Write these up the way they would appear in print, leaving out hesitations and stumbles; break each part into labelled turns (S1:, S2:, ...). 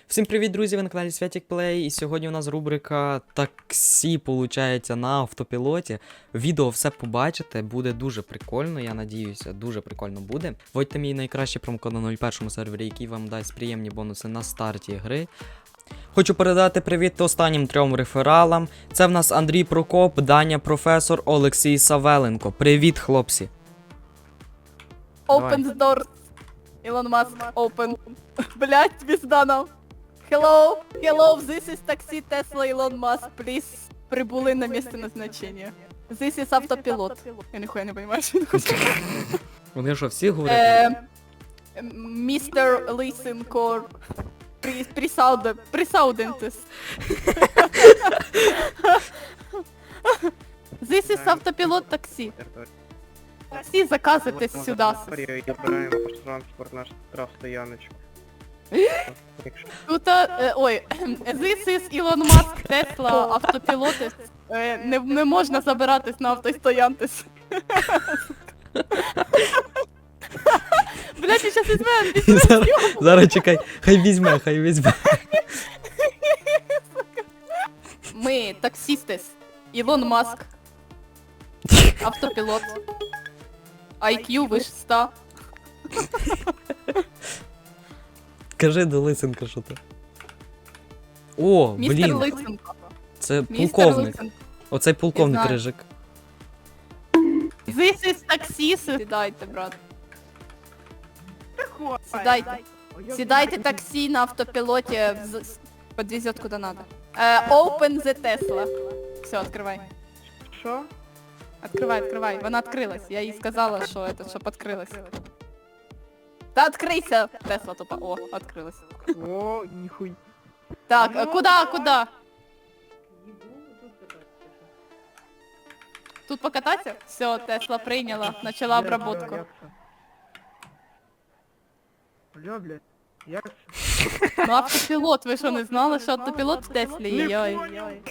S1: Всім привіт, друзі! Ви на каналі Святік Плей, і сьогодні у нас рубрика таксі, получається, на автопілоті. Відео все побачите, буде дуже прикольно, я надіюся, дуже прикольно буде. Вводьте мій найкращий промокод на 01 сервері, який вам дасть приємні бонуси на старті гри. Хочу передати привіт останнім 3 рефералам. Це в нас Андрій Прокоп, Даня Професор, Олексій Савеленко. Привіт, хлопці!
S2: Open the doors. Elon Musk, open. Блять, пизда нам. Hello, this is taxi Tesla Elon Musk, please. Прибули на місце назначення. This is автопілот. Я ніхуя не понимаю, що він хоче.
S1: Вони що, всі говорять?
S2: Mr. Listen Core. Присаудентес. This is автопілот таксі. Таксі заказуйте сюди.
S3: Обираємо транспорт наш штрафстояночку.
S2: Тут, ой, this is Elon Musk, Tesla, автопілоти. Не можна забиратись на автостоянтись. Блять, я щас візьме,
S1: Зараз чекай, хай візьме.
S2: Ми таксістес. Ілон Маск. Автопілот. IQ вище 100.
S1: Кажи до Лисенка, що то. О,
S2: Містер
S1: блін,
S2: Лисенко.
S1: це
S2: Містер
S1: полковник.
S2: Лисенко.
S1: Оцей полковник
S2: знаю.
S1: Рижик.
S2: This is таксіс. Сідайте, брат. Сідайте. Сідайте таксі на автопілоті, подвезет куда надо. Open the Tesla. Все, открывай.
S3: Що?
S2: Открывай. Вона открылась. Я їй сказала, що это, щоб открылась. Та открийся! Тесла тупо. О, открылась.
S3: О, ніхуй.
S2: Так, куда? Тут покататься? Все, Тесла прийняла, начала обработку.
S3: Бля, як?
S2: Ну автопілот, ви що не знали, що автопілот в Теслі? Йой.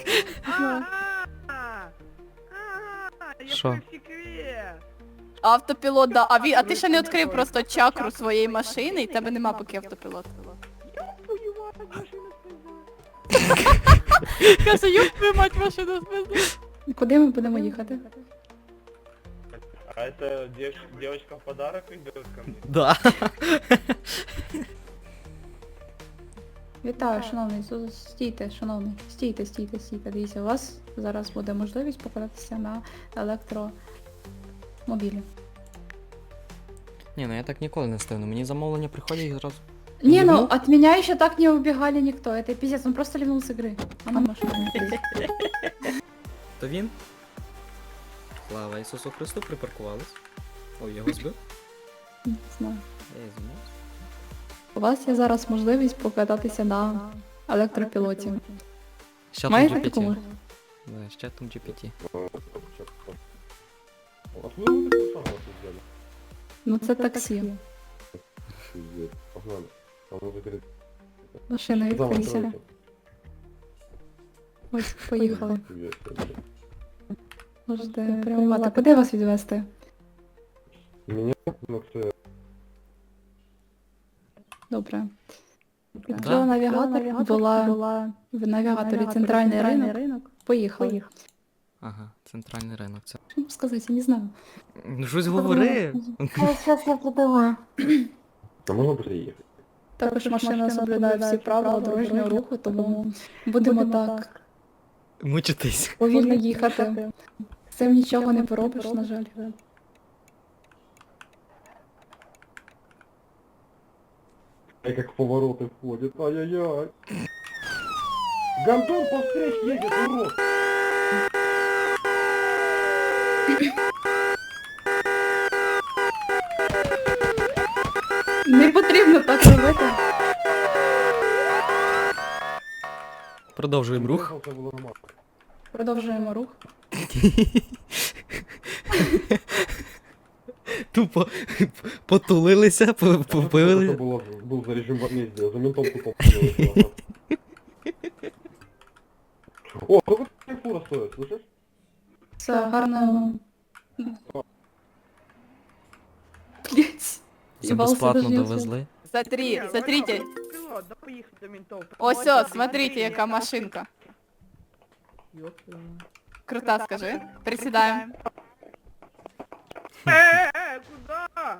S1: Що?
S2: Автопілот, да. А ти ще не відкрив просто чакру своєї машини, і тебе нема поки автопілота. Каже, юб твою мать, машину спизду.
S4: Куди ми будемо їхати?
S5: А это девочка в подарок идет ко мне?
S1: Да.
S4: Вітаю, шановний, стійте, шановний, стійте, дивіться, у вас зараз буде можливість покататися на електромобілі.
S1: Ні, ну я так ніколи не ставлю. Мені замовлення приходять і зразу.
S4: Не, ну от меня еще так не убегали никто, это пиздец, он просто ливнул с игры. А ну, машина.
S1: То він? Слава Ісусу Христу, припаркувались. Ой, його збив?
S4: Не знаю.
S1: Я і зумів.
S4: У вас є зараз можливість покататися на електропілоті.
S1: З чатом
S4: Маєте
S1: GPT.
S4: таку можливість?
S1: Да, з чатом GPT.
S5: Откуда вы такую согласие взяли?
S4: Ну це таксі.
S5: Пиздец, погнали. Там уже говорит,
S4: Машина відкрийся. Ось, поїхали. Можете прямувати. Куди вас відвезти?
S5: Меня на це...
S4: Добре. Відкрила навігатор, була в навігаторі центральний ринок. Поїхали.
S1: Ага, центральний ринок. Це.
S4: Що вам сказати, я не знаю.
S1: Ну щось говори.
S4: Зараз я придумаю.
S5: А можна приїхати?
S4: Також машина соблюдає всі правила дорожнього руху, тому будемо так
S1: Мучитись.
S4: повільно їхати. З цим нічого не поробиш, на жаль.
S5: Как повороты входят, ай-яй-яй. Гандон по встречке едет, урод!
S4: Не потрібно так робити.
S1: Продовжуємо рух.
S5: Це було нормально.
S4: Продовжуємо рух.
S1: Тупо потулилися,
S5: Це
S1: попили.
S5: був за режим возмездия, за ментом тупо понял. О, сколько фура стоит, слышишь?
S4: Все, гарно. Блять.
S1: Все безплатно довезли.
S2: Смотрите.
S3: Що, да поїхати до ментов.
S2: Ось, ось, смотрите, яка машинка.
S3: Ёп твою мать.
S2: Крута, скажи. Присідаємо.
S3: Куда?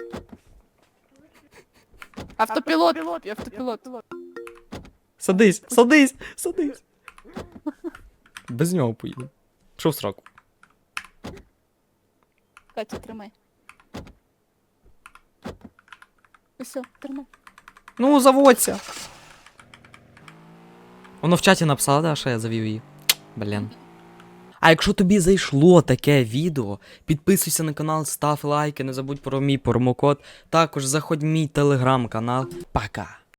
S2: Автопілот, автопілот.
S1: Садись, садись, садись. Без нього поїду. Що в сраку?
S2: Катя, тримай. Все, тримай.
S1: Ну, заводься. Воно в чаті написало, да, що я завів її. Блін. А якщо тобі зайшло таке відео, підписуйся на канал, став лайки, не забудь про мій промокод. Також заходь в мій телеграм-канал. Пока.